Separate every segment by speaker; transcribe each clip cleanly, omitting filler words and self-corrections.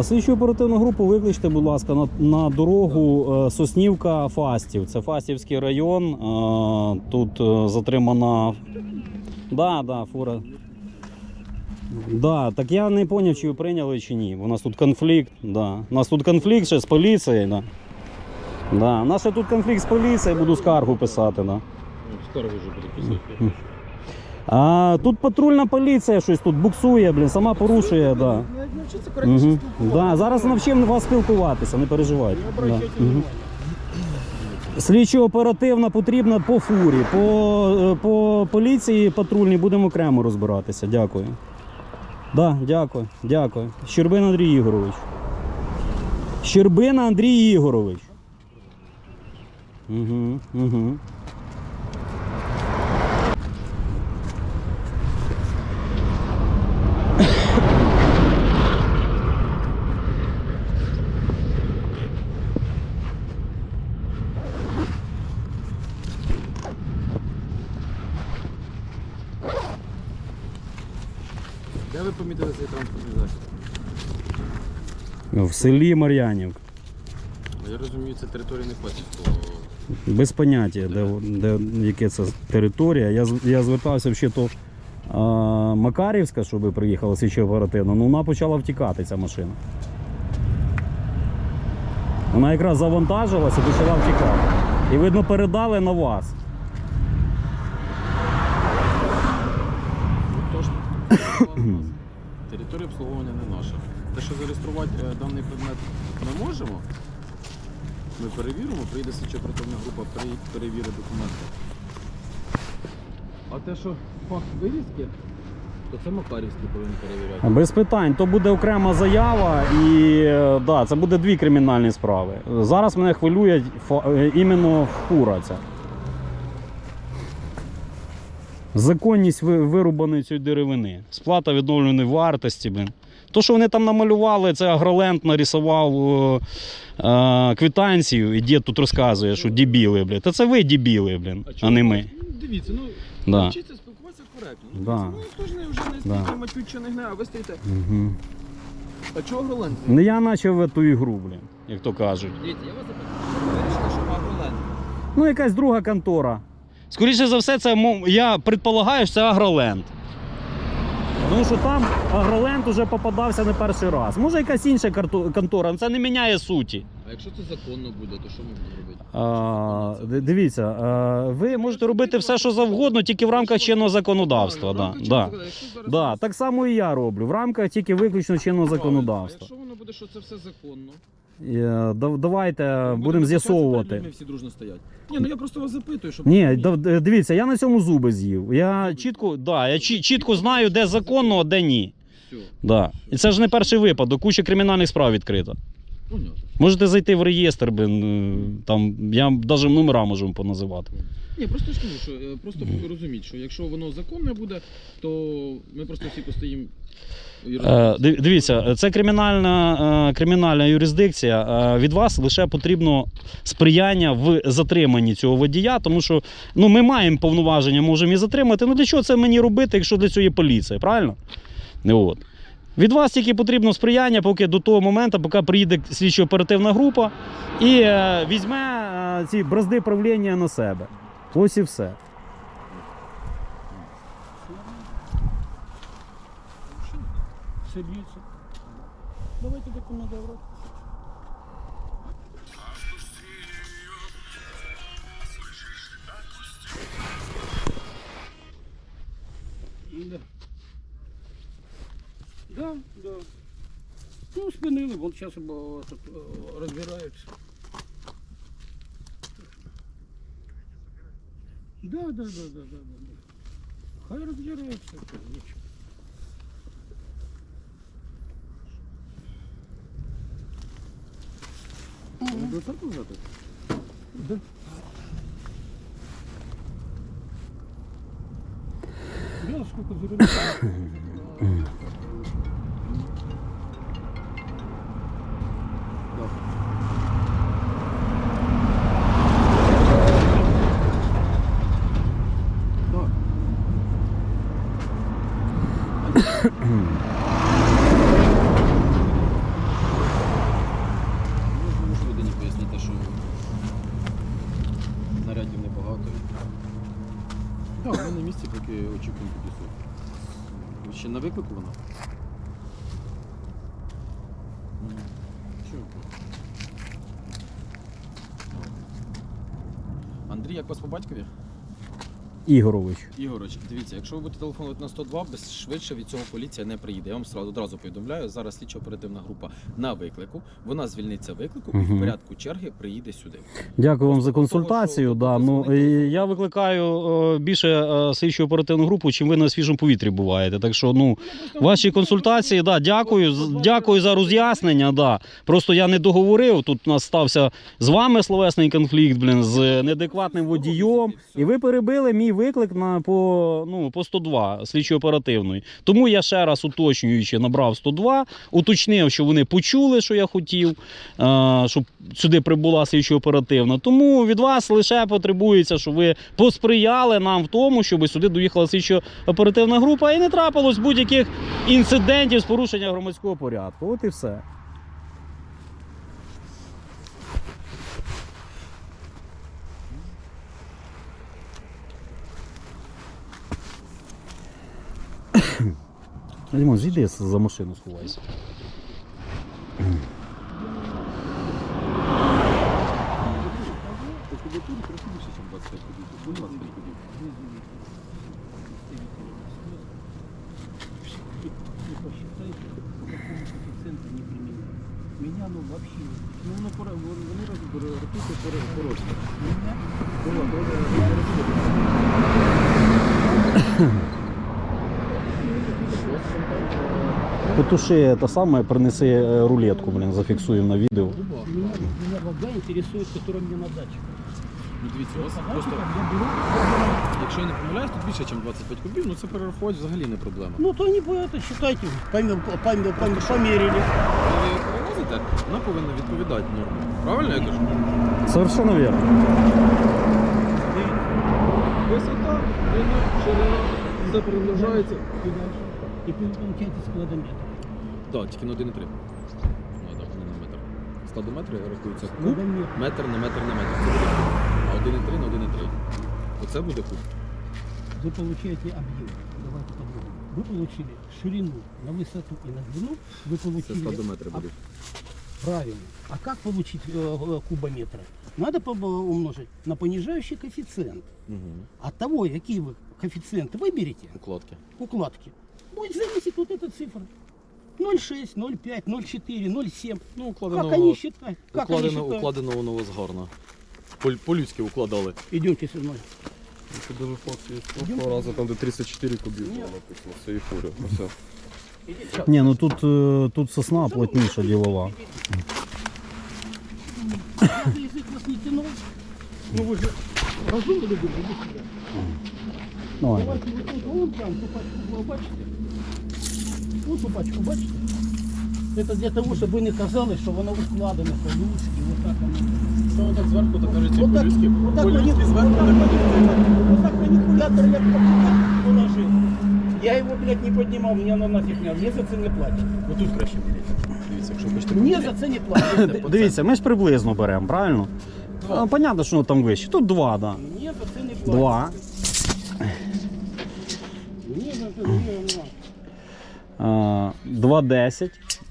Speaker 1: Слідчу оперативну групу викличте, будь ласка, на дорогу Соснівка-Фастів. Це Фастівський район. Тут затримана... Да, фура. Да, так я не зрозумів, чи ви прийняли, чи ні. У нас тут конфлікт. Да. У нас тут конфлікт ще з поліцією. Да. Да. У нас ще тут конфлікт з поліцією, буду скаргу писати. Да.
Speaker 2: Скаргу вже буду писати.
Speaker 1: Тут патрульна поліція щось тут буксує, блін, сама порушує. Да. Да, зараз навчимо вас спілкуватися, не переживайте. Да. Слідчо-оперативна потрібна по фурі, по поліції патрульній будемо окремо розбиратися. Дякую. Да, дякую. Щербина Андрій Ігорович. Щербина Андрій Ігорович. Угу.
Speaker 2: Де ви помітили цей транспортний засіб?
Speaker 1: В селі Мар'янівка.
Speaker 2: Я розумію, це територія не Фастівського.
Speaker 1: Без поняття, яке це територія. Я звертався взагалі Макарівська, щоб приїхала слідчо оперативно, ну вона почала втікати, ця машина. Вона якраз завантажилася і почала втікати. І, видно, передали на вас.
Speaker 2: Тож, територія обслуговування не наша. Те, що зареєструвати даний предмет ми можемо, ми перевіримо, прийде слідчо-оперативна група, перевірить документи. А те, що факт вирізки, то це Макарівський повинен перевіряти.
Speaker 1: Без питань, то буде окрема заява і да, це буде дві кримінальні справи. Зараз мене хвилює іменно фура ця. Законність вирубаної цієї деревини, сплата відновленої вартості. Блин. То, що вони там намалювали, це Агроленд нарисував квитанцію, і дід тут розказує, що дебіли, блин. Та це ви дебіли, блин, а не ми.
Speaker 2: Дивіться,
Speaker 1: Да.
Speaker 2: вчиться спілкуватися коректно.
Speaker 1: Да.
Speaker 2: Хто ж не вже не стільки матють чи не гне, а ви стоїте.
Speaker 1: Угу.
Speaker 2: А чого Агроленд?
Speaker 1: Не я почав в ту ігру, блин, як то кажуть.
Speaker 2: Дивіться, я вас запитаю, ви вирішили, що Агроленд?
Speaker 1: Ну, якась друга контора. Скоріше за все, це, я предполагаю, що це Агроленд. Тому що там Агроленд вже попадався не перший раз. Може якась інша контора, але це не міняє суті.
Speaker 2: А якщо це законно буде, то що ми будемо робити?
Speaker 1: Дивіться, ви можете робити все, що завгодно, тільки в рамках чинного законодавства. Да. Так само і я роблю, в рамках тільки виключно чинного законодавства.
Speaker 2: Якщо воно буде, що це все законно,
Speaker 1: давайте будемо з'ясовувати.
Speaker 2: Ми всі дружно стоять. Ні, ну я просто вас запитую, щоб...
Speaker 1: Ні, дивіться, я на цьому зуби з'їв. Я чітко знаю, де законно, а де ні. Да. І це ж не перший випадок, куча кримінальних справ відкрита. Можете зайти в реєстр, там, я навіть номера можу вам поназивати.
Speaker 2: Ні, просто ж кажу, що просто розуміть, що якщо воно законне буде, то ми просто всі постоїмо.
Speaker 1: Дивіться, це кримінальна юрисдикція. Від вас лише потрібно сприяння в затриманні цього водія, тому що ми маємо повноваження, можемо і затримати. Ну для чого це мені робити, якщо для цього є поліція, правильно? От. Від вас тільки потрібно сприяння поки до того моменту, поки приїде слідчо-оперативна група і візьме ці бразди правління на себе. Ось і все. Сидіться. Давайте документи в рот. Да. Ну, спинили, вон зараз тут розбираються. Да. Хай розбираються. До церкви взяти? Да. Я сколько зеленых.
Speaker 2: Чекунь підійшов. Ви ще на виклику вона? Чого? Андрій, як вас по батькові?
Speaker 1: Ігорович.
Speaker 2: Ігорович, дивіться, якщо ви будете телефонувати на 102, швидше від цього поліція не приїде. Я вам одразу повідомляю, зараз слідчо-оперативна група на виклику, вона звільниться виклику і в порядку черги приїде сюди.
Speaker 1: Дякую вам
Speaker 2: Просто
Speaker 1: за консультацію.
Speaker 2: того, що
Speaker 1: Да.
Speaker 2: ви
Speaker 1: Ну,
Speaker 2: дзвоните.
Speaker 1: я викликаю більше слідчу оперативну групу, чим ви на свіжому повітрі буваєте. Так що, ну, ваші консультації, да, дякую за роз'яснення. Да. Просто я не договорив, тут у нас стався з вами словесний конфлікт, з неадекватним водієм, і ви перебили мій виклик по 102 слідчо-оперативної. Тому я ще раз уточнюючи набрав 102, уточнив, що вони почули, що я хотів, щоб сюди прибула слідчо-оперативна. Тому від вас лише потребується, щоб ви посприяли нам в тому, щоб сюди доїхала слідчо-оперативна група і не трапилось будь-яких інцидентів з порушення громадського порядку. От і все. Дімон, зійди за машину, сховайся.
Speaker 2: По кубатурі трохи більше, ніж 25 кубів. Тут 25 кубів.
Speaker 3: Не посчитайте, по какому коэффициенту не применяют. Меня, ну, вообще, ну, вони рахуйте порожні.
Speaker 1: Потуши те саме, принеси рулетку, зафіксуємо на відео.
Speaker 3: Меня вода интересует, которая мне на даче.
Speaker 2: Ну дивіться, у вас
Speaker 3: Вот
Speaker 2: просто,
Speaker 3: я беру,
Speaker 2: якщо я не помиляюсь, тут більше, ніж 25 кубів, ну це перерахувати взагалі не проблема.
Speaker 3: ну, то не это, считайте, померили.
Speaker 2: Коли ви її перевозите, вона повинна відповідати нормі. Правильно я кажу?
Speaker 1: Совершенно вірно.
Speaker 2: Висота, длина, ширина, все перемножається.
Speaker 3: И получаете складометр.
Speaker 2: Так, тільки на 1,3. Ну так, не на метр. Складометри рахуються куб,
Speaker 3: Складометр.
Speaker 2: метр на метр на метр. Це буде куб. А 1,3 на 1,3. Оце буде куб.
Speaker 3: Вы получаете объем. Давайте по-другому. Вы получили ширину на высоту и на длину. Вы
Speaker 2: Це
Speaker 3: получили...
Speaker 2: складометри будуть.
Speaker 3: Правильно. А как получить кубометры? Надо умножить на понижающий коэффициент.
Speaker 2: Угу.
Speaker 3: От того, какие вы коэффициенты выберете,
Speaker 2: Укладки.
Speaker 3: укладки, будет зависеть вот эта цифра. 0,6, 0,5, 0,4, 0,7.
Speaker 2: Ну,
Speaker 3: Как они считают? Как они считают?
Speaker 2: укладено воно у вас гарно. По-людськи укладали.
Speaker 3: Идемте со мной.
Speaker 4: Це дуже фотки з того разу, там де 34 кубів було написано, все і фуря. Все.
Speaker 3: Идите.
Speaker 1: Ні, ну тут сосна плотніша ділова.
Speaker 3: Разве язык вас не тянул? Ну вы же разумно любите, иди сюда.
Speaker 1: Давай.
Speaker 3: Давайте вот тут, вон там, ту пачку вы бачите? Вот ту пачку бачите? Это для того, чтобы не казалось, что оно укладено по-людски, вот так оно.
Speaker 2: Що так зверху, так кажуть,
Speaker 3: Вот так,
Speaker 2: по-людськи.
Speaker 3: вот так
Speaker 2: По-людськи зверху, так
Speaker 3: вот так манипулятор я положил. Я его, блядь, не поднимал, мне оно нафиг не надо. Мне за це не платят.
Speaker 2: Ну тут краще міряти. Дивіться, якщо хочете
Speaker 3: Мне
Speaker 2: поміряти.
Speaker 3: за це не платят.
Speaker 1: Дивіться, ми ж приблизно беремо, правильно?
Speaker 2: Два.
Speaker 1: Понятно, що воно там вище. Тут 2, да.
Speaker 3: Мне за це не платят.
Speaker 1: 2.
Speaker 3: Мне за це не платят.
Speaker 1: 2,10.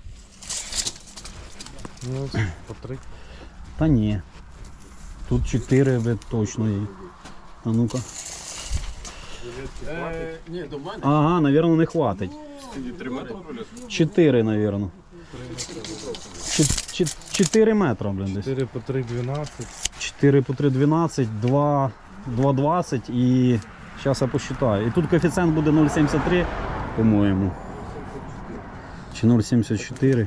Speaker 4: Ну, по 3.
Speaker 1: Та ні. Тут 4 точно є. А ну-ка.
Speaker 2: Ні, до мене.
Speaker 1: Ага, напевно, не хватить.
Speaker 2: 3 метри.
Speaker 1: 4, напевно. 4 метри, блін, десь.
Speaker 4: 4 по 3, 12.
Speaker 1: 4 по 3, 12, 2, 2,20 і зараз я посчитаю. І тут коефіцієнт буде 0,73, по-моєму. Чи 0,74.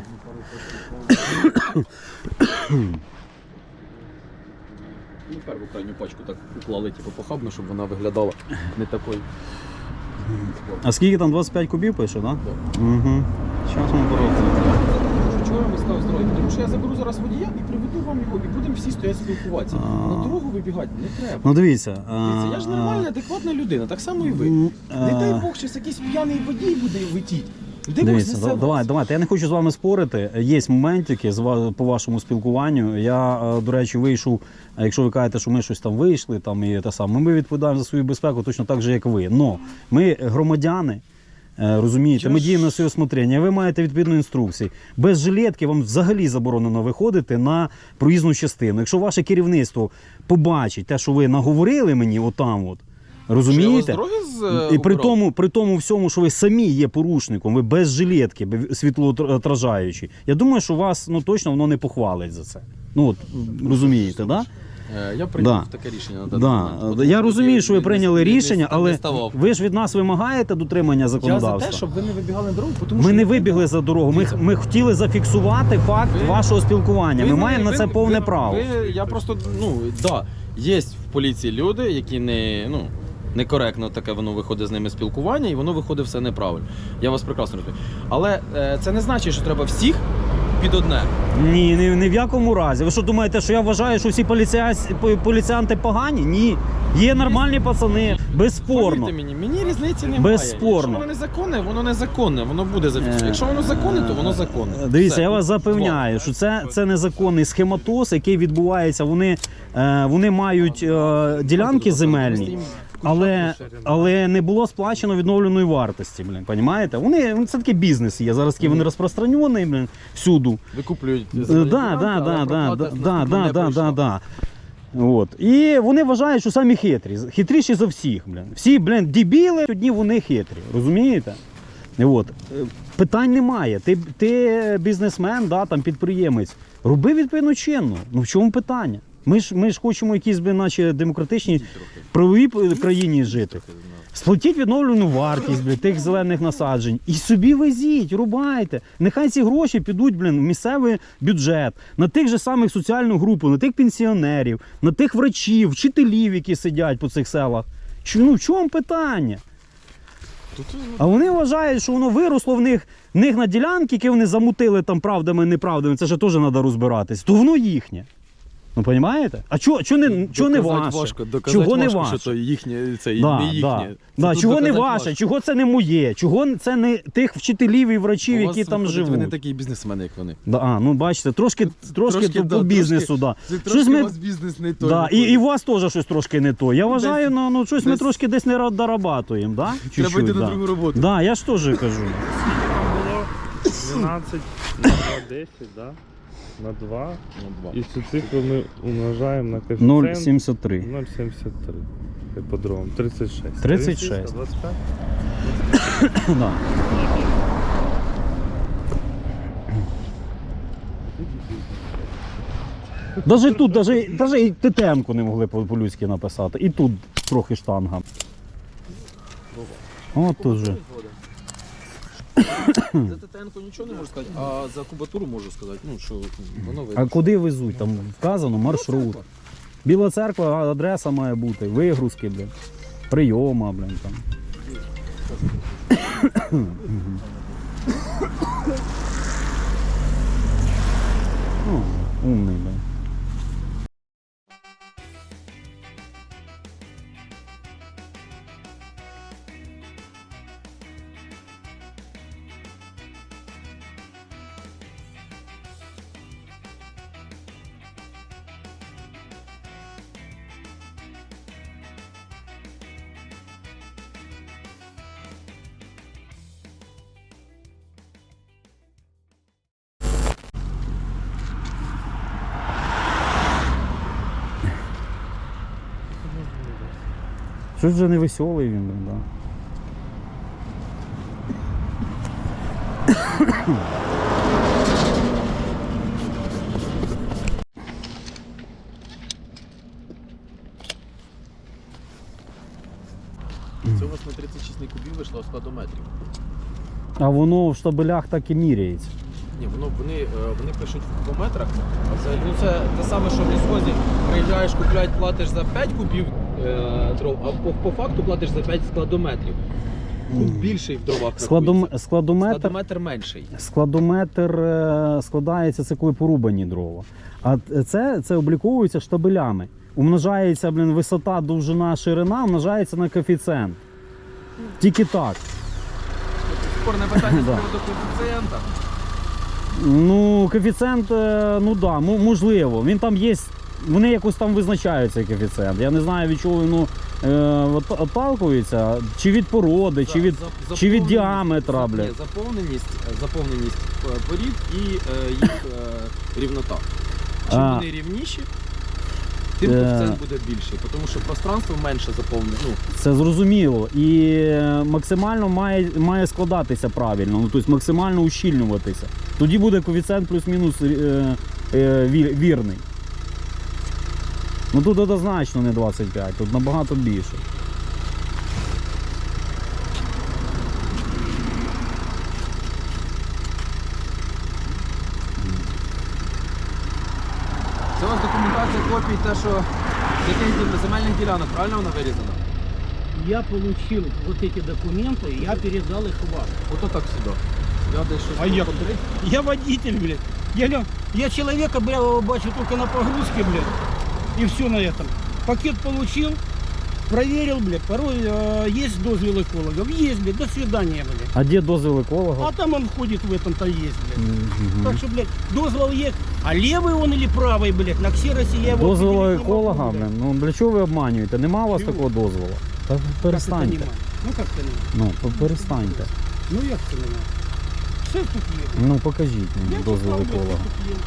Speaker 2: Ну, першу крайню пачку так уклали, типу, похабно, щоб вона виглядала не такою.
Speaker 1: А скільки там 25 кубів пише, так? Да? Угу. Зараз ми поробимо.
Speaker 2: Чого я вам сказав здоров'я? Тому що я заберу зараз водія і приведу вам його, і будемо всі стояти спілкуватися. На дорогу вибігати не треба.
Speaker 1: Ну дивіться.
Speaker 2: Дивіться, я ж нормальна, адекватна людина, так само і ви. Не дай Бог, щось якийсь п'яний водій буде летіти.
Speaker 1: Дивіться, давайте. Я не хочу з вами спорити. Є моментики по вашому спілкуванню. Я, до речі, вийшов, якщо ви кажете, що ми щось там вийшли, там і те саме, ми відповідаємо за свою безпеку точно так же, як ви. Но ми громадяни, розумієте, ми діємо на своє усмотрення. Ви маєте відповідну інструкцію. Без жилетки вам взагалі заборонено виходити на проїзну частину. Якщо ваше керівництво побачить те, що ви наговорили мені отам от, розумієте? І при тому всьому, що ви самі є порушником, ви без жилетки, світлоотражаючі. Я думаю, що вас точно воно не похвалить за це. Ну от, розумієте, так? Да?
Speaker 2: Я прийняв таке рішення на
Speaker 1: даний Я розумію, що ви прийняли рішення, але ви ж від нас вимагаєте дотримання законодавства.
Speaker 2: Я за те, щоб ви не вибігали на дорогу, тому
Speaker 1: ми не вибігли за дорогу, ми хотіли зафіксувати факт вашого спілкування. Ми маємо на це повне право.
Speaker 2: Я просто, є в поліції люди, які некоректно таке воно виходить з ними спілкування, і воно виходить все неправильно. Я вас прекрасно розумію. Але це не значить, що треба всіх під одне.
Speaker 1: Ні, ні в якому разі. Ви що думаєте, що я вважаю, що всі поліціянти погані? Ні. Є нормальні пацани, безспорно.
Speaker 2: Мені різниці немає.
Speaker 1: Безспорно.
Speaker 2: Якщо воно незаконне, воно незаконне, воно буде зафіксовано. Якщо воно законне, то воно законне.
Speaker 1: Дивіться,
Speaker 2: все.
Speaker 1: Я вас запевняю, що це незаконний схематоз, який відбувається. Вони мають ділянки земельні. Але не було сплачено відновленої вартості, понімаєте? Це такий бізнес є, зараз такий вони розпространені, всюду.
Speaker 2: Викуплюють
Speaker 1: Да. От. І вони вважають, що самі хитріші за всіх, Всі, дебіли, одні вони хитрі, розумієте? От. Питань немає. Ти бізнесмен, там, підприємець, роби відповідно чинно. В чому питання? Ми ж хочемо якісь, наче демократичні, правовій країні жити. Сплатіть відновлену вартість, тих зелених насаджень. І собі везіть, рубайте. Нехай ці гроші підуть, в місцевий бюджет, на тих же самих соціальну групу, на тих пенсіонерів, на тих врачів, вчителів, які сидять по цих селах. В чому питання? А вони вважають, що воно виросло в них на ділянки, які вони замутили там правдами, неправдами, це ж теж треба розбиратись, то воно їхнє. Розумієте? А чого не ваше? Чого не ваше?
Speaker 2: Що їхнє, це не їхнє.
Speaker 1: Чого не ваше? Чого це не моє? Чого це не тих вчителів і врачів, які там живуть?
Speaker 2: Ви не такі бізнесмени, як вони.
Speaker 1: Бачите, трошки по бізнесу.
Speaker 2: Трошки у вас бізнес не той.
Speaker 1: І у вас теж щось трошки не то. Я вважаю, щось ми трошки десь не дорабатуємо.
Speaker 2: Треба йти на другу роботу.
Speaker 1: Я ж теж кажу.
Speaker 5: Було 12 на 10, так? На 2. І цю цифру ми умножаємо на коефіцієнт
Speaker 1: 0,73.
Speaker 5: 0,73. Іпподром. 36.
Speaker 1: 36.
Speaker 5: 25?
Speaker 1: Да. Даже тут, даже і ТТН-ку не могли по-людськи написати. І тут трохи штанга. От тут же.
Speaker 2: За ТТН-ку нічого не можу сказати, а за кубатуру можу сказати. Що воно видно.
Speaker 1: А куди везуть? Там вказано маршрут. Біла церква, адреса має бути, вигрузки, прийома, там. Умний, Щось вже не веселий він, да.
Speaker 2: Це у вас на 36 кубів вийшло складометрів.
Speaker 1: А воно в штабелях так і міряється.
Speaker 2: Ні, вони пишуть в кубометрах, а це, це те саме, що в лісхозі приїжджаєш, купляють, платиш за 5 кубів дров, а по факту платиш за 5 складометрів. Куб більший в дровах рахується. Складометр менший.
Speaker 1: Складометр складається, це коли порубані дрова. А це обліковується штабелями. Умножається, висота, довжина, ширина, умножається на коефіцієнт. Тільки так.
Speaker 2: спорне питання з
Speaker 1: Да.
Speaker 2: приводу коефіцієнта.
Speaker 1: Ну, коефіцієнт, ну да, можливо. Він там є, вони якось там визначають цей коефіцієнт. Я не знаю, від чого воно отталкується, чи від породи, чи від
Speaker 2: Заповненість-
Speaker 1: діаметра,
Speaker 2: ні,
Speaker 1: бля.
Speaker 2: заповненість порід і їх рівнота. Чим
Speaker 1: А.
Speaker 2: вони рівніші, тим коефіцієнт буде більший, тому що пространство менше заповнене. Ну,
Speaker 1: Це зрозуміло. І максимально має складатися правильно, ну, тобто максимально ущільнюватися. Тоді буде коефіцієнт плюс-мінус вірний. Ну тут однозначно не 25, тут набагато більше.
Speaker 2: це у вас документація копій, те, що з яких земельних ділянок, правильно вона вирізана?
Speaker 3: Я получил вот эти документы, я передал их вам.
Speaker 2: Ото так сюди. Я десь щось
Speaker 3: А я-
Speaker 2: повторив.
Speaker 3: Я водитель, блядь. Я человека, бля, бачу только на погрузке, блядь. И все на этом. Пакет получил, проверил, блядь. Порой есть дозвел экологов. Есть, блядь, до свидания, блядь.
Speaker 1: А де дозвіл еколога?
Speaker 3: А там он ходит в этом-то есть, блядь.
Speaker 1: Мгм.
Speaker 3: Так что, блядь, дозвол есть. А левый он или правый, блядь, на ксеросе я его
Speaker 1: Дозволу
Speaker 3: определить не могу,
Speaker 1: еколога,
Speaker 3: блядь.
Speaker 1: блин, ну для чого ви обманюєте? Нема у вас
Speaker 3: Чого?
Speaker 1: такого дозволу? Та
Speaker 3: Как это
Speaker 1: перестаньте.
Speaker 3: нема? Ну как это нема?
Speaker 1: Ну, перестаньте.
Speaker 3: Ну як це нема? Все тут є.
Speaker 1: Ну покажіть мені
Speaker 3: Я
Speaker 1: дозвіл
Speaker 3: читав, блядь,
Speaker 1: еколога.
Speaker 3: що тут є.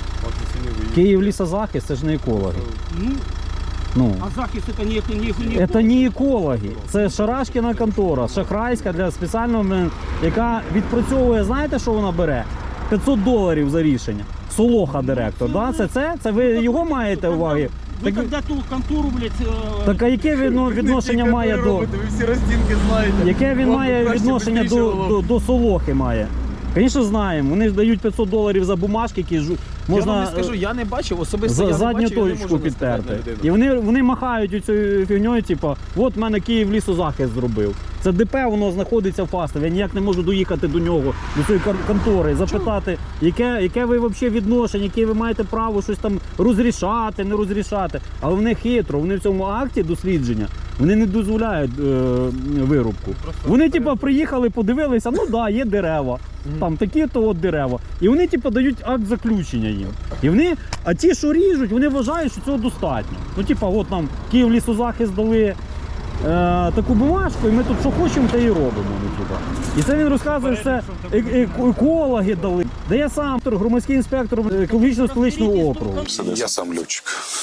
Speaker 1: Київ лісозахист це ж не екологи.
Speaker 3: Ну,
Speaker 1: Ну.
Speaker 3: а захист это не
Speaker 1: Це не екологи, це Шарашкіна контора, шахрайська для спеціального, яка відпрацьовує, знаєте, що вона бере? $500 за рішення. Солоха директор, да? Це ви його маєте уваги?
Speaker 3: Ви
Speaker 1: Так,
Speaker 3: когда ту контору, блядь,
Speaker 1: так а яке відношення має до...
Speaker 2: Ви всі роздінки знаєте.
Speaker 1: Яке він
Speaker 2: Вам
Speaker 1: має
Speaker 2: краще
Speaker 1: відношення
Speaker 2: бистріше
Speaker 1: до,
Speaker 2: було.
Speaker 1: до Солохи має? Звісно, знаємо. Вони ж дають $500 за бумажки, які
Speaker 2: Я
Speaker 1: можна
Speaker 2: вам не скажу, я не бачив, особисто я
Speaker 1: за
Speaker 2: не
Speaker 1: задню
Speaker 2: бачив, я не
Speaker 1: точку
Speaker 2: можу не сказати на
Speaker 1: підтерти.
Speaker 2: людину.
Speaker 1: І вони махають цією фігньою, типу, от в мене Київ лісозахист зробив. Це ДП, воно знаходиться в Фастові. Я ніяк не можу доїхати до нього, до цієї контори, запитати, яке ви взагалі відношення, яке ви маєте право щось там розрішати, не розрішати. Але вони хитро, вони в цьому акті дослідження, вони не дозволяють вирубку. Вони, типу, приїхали, подивилися, ну да, є дерева. Там такі-то от дерева. І вони, типу, дають акт заключення їм. І вони, а ті, що ріжуть, вони вважають, що цього достатньо. Ну, типу, от нам Київ лісозахист дали таку бумажку, і ми тут що хочемо, те і робимо. Ну, типу. І це він розказує, що це екологи дали. Де я сам громадський інспектор екологічно столичного округу.
Speaker 6: Я сам летчик.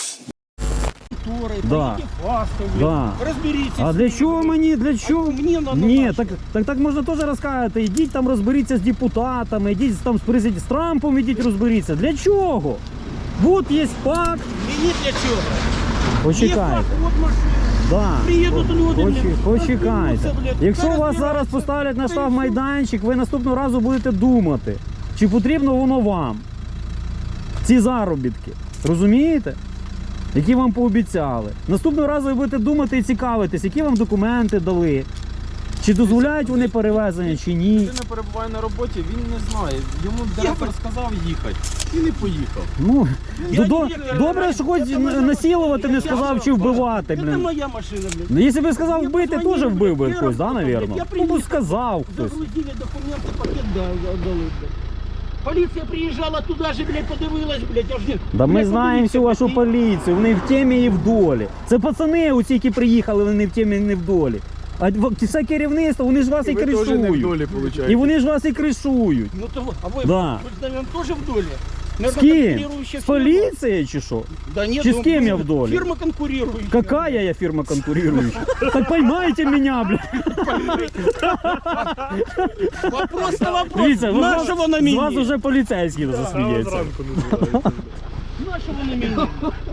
Speaker 3: конторы,
Speaker 1: Да.
Speaker 3: пойдите в Фастов,
Speaker 1: Да.
Speaker 3: разберитесь.
Speaker 1: А
Speaker 3: с
Speaker 1: для
Speaker 3: ними,
Speaker 1: чого
Speaker 3: блядь.
Speaker 1: мені? Для чого?
Speaker 3: Мені надо
Speaker 1: Ні,
Speaker 3: наше.
Speaker 1: так можна теж розказати. Ідіть там розберіться з депутатами, ідіть там з Трампом, ідіть розберіться. Для чого? От є факт.
Speaker 3: Мені для чого? Є
Speaker 1: Почекайте.
Speaker 3: факт, от машина.
Speaker 1: Да.
Speaker 3: Приїдуть люди, блядь,
Speaker 1: Почекайте.
Speaker 3: розберуться, блядь,
Speaker 1: Якщо вас
Speaker 3: розбираються,
Speaker 1: зараз поставлять на
Speaker 3: та й
Speaker 1: штаб
Speaker 3: все.
Speaker 1: майданчик, ви наступного разу будете думати, чи потрібно воно вам. Ці заробітки. Розумієте? Які вам пообіцяли. Наступного разу ви будете думати і цікавитись, які вам документи дали. Чи дозволяють вони перевезення, чи ні.
Speaker 2: Людина перебуває на роботі, він не знає. Йому директор сказав їхати і не поїхав.
Speaker 1: Ну,
Speaker 3: Я
Speaker 1: до-
Speaker 3: директор,
Speaker 1: добре, що хоч
Speaker 3: це моя
Speaker 1: насилувати не
Speaker 3: машина.
Speaker 1: сказав, чи вбивати,
Speaker 3: Це
Speaker 1: блін.
Speaker 3: моя машина, блядь.
Speaker 1: Ну, якщо б сказав
Speaker 3: Я
Speaker 1: вбити,
Speaker 3: позвонив,
Speaker 1: теж вбив би
Speaker 3: блядь,
Speaker 1: хтось, да,
Speaker 3: я
Speaker 1: навірно?
Speaker 3: приїхав.
Speaker 1: Ну, сказав хтось.
Speaker 3: Загрузили документи, пакет дали, блядь. Поліція приїжджала туди же, блядь, подивилась, блядь, аж не...
Speaker 1: Да ми
Speaker 3: Блядь,
Speaker 1: знаємо
Speaker 3: подивіться,
Speaker 1: всю вашу
Speaker 3: блядь,
Speaker 1: поліцію, вони в темі і в долі. Це пацани оці, які приїхали, вони в темі і не в долі. А все керівництво, вони ж вас і кришують.
Speaker 2: виходить.
Speaker 1: І вони ж вас і кришують.
Speaker 3: Ну то а ви,
Speaker 1: Да.
Speaker 3: ви ж, наверное, теж в долі?
Speaker 1: З ким? З поліцією чи що?
Speaker 3: Да нет,
Speaker 1: Чи з
Speaker 3: ну,
Speaker 1: ким я в долі?
Speaker 3: Фирма конкурирующая.
Speaker 1: Какая я фирма конкурирующая? Так поймайте меня, блядь.
Speaker 3: Вопрос на вопрос.
Speaker 1: Дивіться,
Speaker 3: Нашего на
Speaker 1: з вас
Speaker 3: меня.
Speaker 1: уже поліцейський засміється.
Speaker 5: Зранку називається.
Speaker 3: Нашего на меня.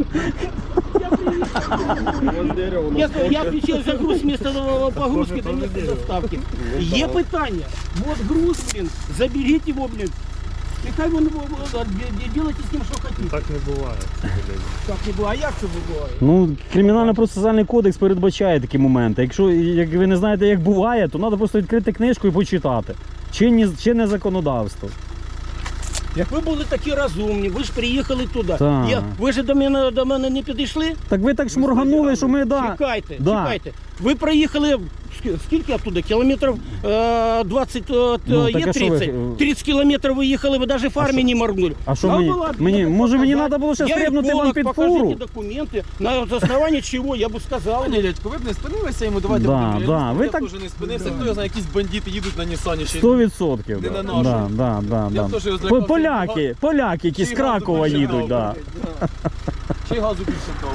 Speaker 3: Я отвечаю за груз вместо погрузки до места доставки. Є питання. Вот груз, блин, заберите его, блин. И хай вон делайте с ним, что хотите.
Speaker 5: Так не буває.
Speaker 3: Так не було. А як це буває?
Speaker 1: Ну, кримінально-процесуальний кодекс передбачає такі моменти. Якщо як ви не знаєте, як буває, то треба просто відкрити книжку і почитати. Чинне законодавство.
Speaker 3: Як ви були такі розумні, ви ж приїхали туди.
Speaker 1: Так.
Speaker 3: Ви ж до мене не підійшли?
Speaker 1: Так ви так шморганули, що ми, да.
Speaker 3: Чекайте,
Speaker 1: Да.
Speaker 3: чекайте. Ви приїхали скільки оттуда? Кілометрів 20,
Speaker 1: Ну, так
Speaker 3: є
Speaker 1: а що ви-
Speaker 3: 30. 30 кілометрів ви їхали, ви навіть фармі не моргнули.
Speaker 1: А що
Speaker 3: Нам
Speaker 1: мені?
Speaker 3: було
Speaker 1: Мені
Speaker 3: обидно
Speaker 1: може мені
Speaker 3: показати.
Speaker 1: треба було ще
Speaker 3: Я
Speaker 1: стрибнути вам
Speaker 3: еколог,
Speaker 1: під
Speaker 3: покажіть
Speaker 1: фуру?
Speaker 3: документи, на основанні чого, я б сказав.
Speaker 2: Пане дядько, ви б не спинилися йому, давайте
Speaker 1: Да,
Speaker 2: будемо
Speaker 1: да,
Speaker 2: реалістами.
Speaker 1: ви
Speaker 2: Я
Speaker 1: так-
Speaker 2: теж не спинився, хто його знає, якісь бандити їдуть на Нісані ще й
Speaker 1: 100%.
Speaker 2: Не
Speaker 1: Да.
Speaker 2: на нашу.
Speaker 1: Да.
Speaker 2: Я б теж його злякався.
Speaker 1: Поляки, які з
Speaker 2: Ще й газу
Speaker 1: Кракова
Speaker 2: більше
Speaker 1: їдуть,
Speaker 2: брав,
Speaker 1: да.
Speaker 2: Ще й газу більше дав.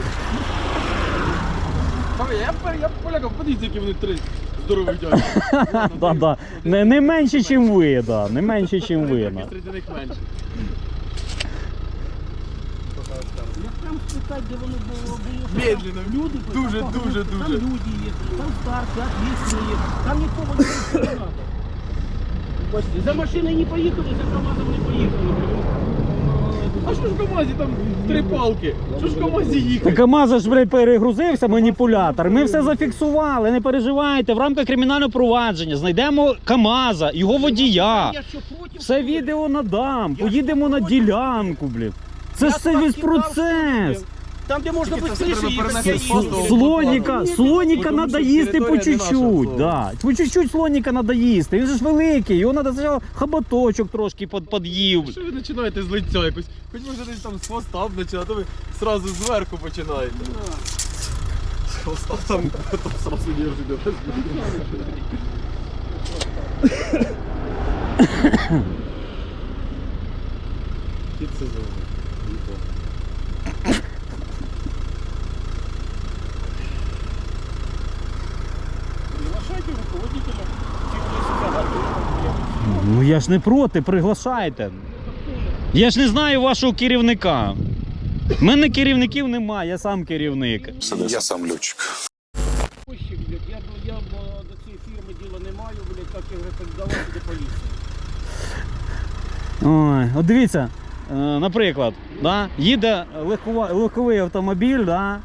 Speaker 2: Я полякам, подивіться, які вони три здорові дядьки.
Speaker 1: Да. Не менше, ніж ви, да. Не менше, ніж ви. Да.
Speaker 2: Серед них менше.
Speaker 3: Я там спитати, де воно було.
Speaker 2: Медленно.
Speaker 3: Люди,
Speaker 2: Дуже,
Speaker 3: там
Speaker 2: дуже,
Speaker 3: Там
Speaker 2: дуже.
Speaker 3: люди їхали, там старші, ответственні, там нікого не треба. Бачите, за машиною не поїхали, за КамАЗом не поїхали.
Speaker 2: А що ж в КамАЗі там три палки? Що ж в КамАЗі їхати?
Speaker 1: Так КамАЗ ж, блядь, перегрузився, маніпулятор. Ми все зафіксували, не переживайте. В рамках кримінального провадження знайдемо КамАЗа, його водія.
Speaker 3: Я що, проти?
Speaker 1: Все відео надам,
Speaker 3: Я
Speaker 1: поїдемо на
Speaker 3: проти.
Speaker 1: ділянку, блін. Це ж все весь процес.
Speaker 3: Там, де можна
Speaker 2: Тільки це
Speaker 3: швидше
Speaker 2: треба
Speaker 3: їхати,
Speaker 2: перенести
Speaker 3: я
Speaker 2: з
Speaker 3: їду.
Speaker 2: фото.
Speaker 1: Слоніка
Speaker 2: Тому
Speaker 1: треба
Speaker 2: що
Speaker 1: їсти по
Speaker 2: територія не наша,
Speaker 1: чуть-чуть.
Speaker 2: слово.
Speaker 1: Да. По чуть-чуть слоніка треба їсти. Він же ж великий, його треба спочатку хоботочок трошки під'їв.
Speaker 2: Що ви починаєте з лиця якось? Хоч може десь там з хвоста б починати, а то ви зразу зверху починаєте. З хвоста там зразу держите. Під сезон.
Speaker 3: Приглашайте руководителя технического.
Speaker 1: Ну я ж не проти, приглашайте. Я ж не знаю вашого керівника. У мене керівників немає, я сам керівник.
Speaker 6: Я сам льотчик.
Speaker 3: Ось, блядь, я до цієї фірми діла не маю, блядь, як я вже так давати до поліції.
Speaker 1: Ой, от дивіться, наприклад, да, їде легковий автомобіль, да,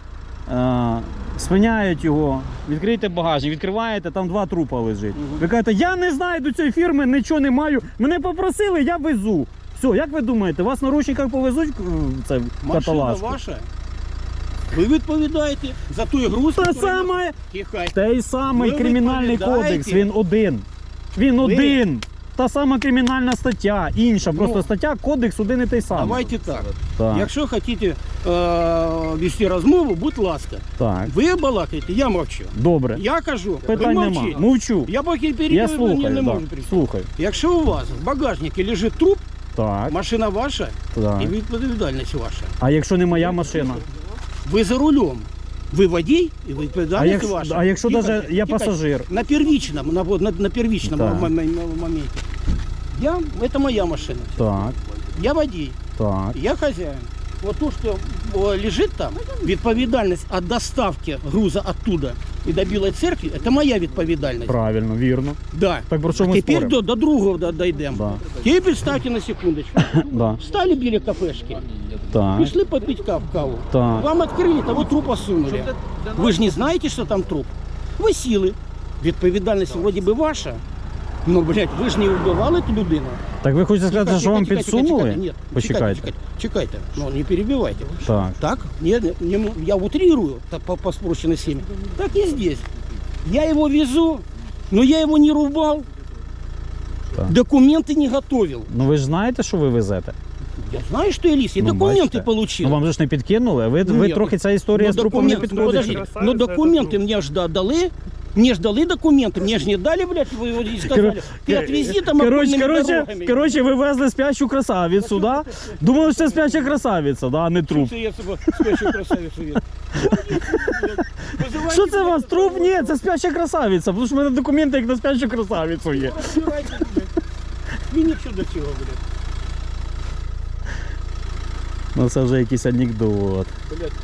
Speaker 1: спиняють його, відкрийте багажник, відкриваєте, там 2 трупа лежить. Ви кажете, я не знаю до цієї фірми, нічого не маю, мене попросили, я везу. Все, як ви думаєте, вас на ручниках повезуть це в
Speaker 3: Машина
Speaker 1: каталажку?
Speaker 3: ваша, ви відповідаєте за той груз,
Speaker 1: Те
Speaker 3: який-
Speaker 1: саме,
Speaker 3: Тихо.
Speaker 1: той самий
Speaker 3: Ви
Speaker 1: кримінальний
Speaker 3: відповідаєте?
Speaker 1: кодекс, він один. Він
Speaker 3: Ви-
Speaker 1: один. Та сама кримінальна стаття, інша,
Speaker 3: Ну,
Speaker 1: просто стаття, кодекс один і той самий.
Speaker 3: Давайте так.
Speaker 1: Так,
Speaker 3: Якщо хочете вести розмову, будь ласка.
Speaker 1: так.
Speaker 3: Ви балакаєте, я мовчу.
Speaker 1: Добре.
Speaker 3: Я кажу,
Speaker 1: Питань
Speaker 3: ви
Speaker 1: нема.
Speaker 3: мовчіть.
Speaker 1: Мовчу.
Speaker 3: Я поки
Speaker 1: Я
Speaker 3: перебив,
Speaker 1: слухаю,
Speaker 3: не
Speaker 1: да.
Speaker 3: можу прийти.
Speaker 1: Слухаю.
Speaker 3: Якщо у вас в багажнику лежить труп,
Speaker 1: Так,
Speaker 3: машина ваша
Speaker 1: так.
Speaker 3: і відповідальність ваша.
Speaker 1: А якщо не моя машина?
Speaker 3: Ви за рулем. Ви водій і
Speaker 1: А
Speaker 3: відповідальність
Speaker 1: якщо,
Speaker 3: ваша.
Speaker 1: а якщо
Speaker 3: Тихо,
Speaker 1: навіть я
Speaker 3: тихо.
Speaker 1: пасажир?
Speaker 3: На первичному, на первичному
Speaker 1: Так.
Speaker 3: моменте. Это моя машина.
Speaker 1: Так,
Speaker 3: Я водій,
Speaker 1: так.
Speaker 3: я хозяин. Вот то, что лежит там, відповідальність от доставки груза оттуда и до Білої церкви, это моя відповідальність.
Speaker 1: Правильно, вірно.
Speaker 3: Да.
Speaker 1: Так про що
Speaker 3: А
Speaker 1: ми
Speaker 3: теперь
Speaker 1: споримо?
Speaker 3: до другого дойдем.
Speaker 1: Да.
Speaker 3: Теперь представьте на секундочку.
Speaker 1: Да.
Speaker 3: Встали біля кафешки,
Speaker 1: Так,
Speaker 3: пришли попить каву.
Speaker 1: так.
Speaker 3: Вам открыли, того трупа сунули. Вы же не знаете, что там труп. Вы сіли. Відповідальність вроде би ваша. Ну, блядь, ви ж не вбивали ту людину.
Speaker 1: Так ви хочете сказати, що вам
Speaker 3: Чекайте,
Speaker 1: підсунули?
Speaker 3: чекайте, ні,
Speaker 1: Почекайте.
Speaker 3: чекайте. Ну, не перебивайте.
Speaker 1: Так.
Speaker 3: Так? Я утрирую по спрощенной схеме. Так и здесь. Я его везу, но я его не рубал.
Speaker 1: Так.
Speaker 3: Документы не готовил.
Speaker 1: Ну ви ж знаєте, що ви везете?
Speaker 3: Я знаю, что я лис. Я
Speaker 1: Ну,
Speaker 3: документы
Speaker 1: бачите.
Speaker 3: получил.
Speaker 1: Ну вам же ж не підкинули, ви
Speaker 3: Ні,
Speaker 1: трохи ця історія
Speaker 3: ну,
Speaker 1: з трупом не
Speaker 3: документ-
Speaker 1: підходить.
Speaker 3: подожди,
Speaker 5: Красавица,
Speaker 3: но
Speaker 5: это
Speaker 3: документы
Speaker 5: труп.
Speaker 3: мне ж дали. Мне ж дали документы, мне ж не дали, блядь, вы его не сказали. Ты отвези там окольными дорогами.
Speaker 1: Короче, ви везли спящу красавицю, да? Думали, що це спяща красавиця, да, а не труп.
Speaker 3: Что я себе спящую красавицу вижу?
Speaker 1: Що це у вас? Труп? Ні, це спяща красавиця, тому що в мене документи як на спящу красавицю є.
Speaker 3: Мені що до цього, блядь?
Speaker 1: Ну це вже якийсь анекдот.
Speaker 3: Блядь.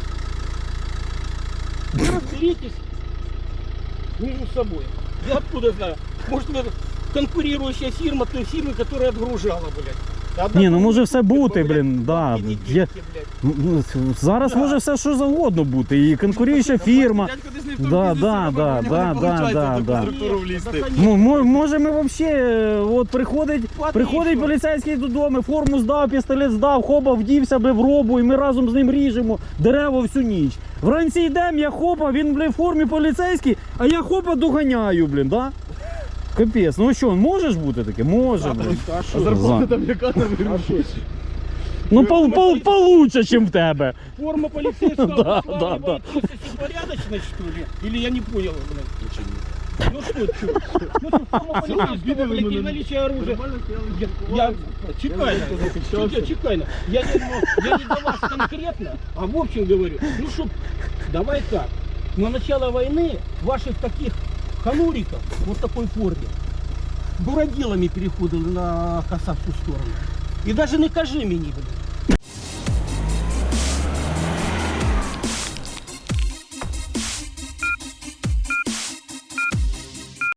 Speaker 3: Вы разберитесь между собой. Я откуда знаю? Может, это конкурирующая фирма той фирмы, которая отгружала, блядь.
Speaker 1: Ні, ну може все бути, блін, да.
Speaker 3: И не
Speaker 1: Я,
Speaker 3: деньги, блядь.
Speaker 1: ну, зараз може все що завгодно бути. І конкуруюча фірма.
Speaker 2: Дядько десь не в тому
Speaker 1: Да,
Speaker 2: бізнесі
Speaker 1: да,
Speaker 2: робить,
Speaker 1: да,
Speaker 2: у нього
Speaker 1: да,
Speaker 2: не
Speaker 1: да,
Speaker 2: получається
Speaker 1: да,
Speaker 2: в
Speaker 1: да.
Speaker 2: структуру влізти.
Speaker 1: Може ми взагалі, от приходить
Speaker 3: Отлично.
Speaker 1: поліцейський додому, форму здав, пістолет здав, хоба, вдівся, бля, в робу, і ми разом з ним ріжемо дерева всю ніч. Вранці йдемо, я хопа, він, бля, в формі поліцейський, а я хопа доганяю, блін, да? Капець, ну що, може ж бути таке? Може, блін.
Speaker 3: А
Speaker 1: зарплата
Speaker 2: там яка на вируші?
Speaker 1: Ну, получше, чим в тебе.
Speaker 3: форма полицейского
Speaker 1: Да,
Speaker 3: обуславливает
Speaker 1: да.
Speaker 3: порядочность, что ли? Или я не понял, блядь? Ну что, ну что, форма полицейского, блядь, и наличие оружия. Я чекай, я не до вас конкретно, а в общем говорю. Ну что, давай так. На начало войны ваших таких хануриков, вот в такой форме, буродилами переходили на косавскую сторону. И даже не кажи мені, блядь.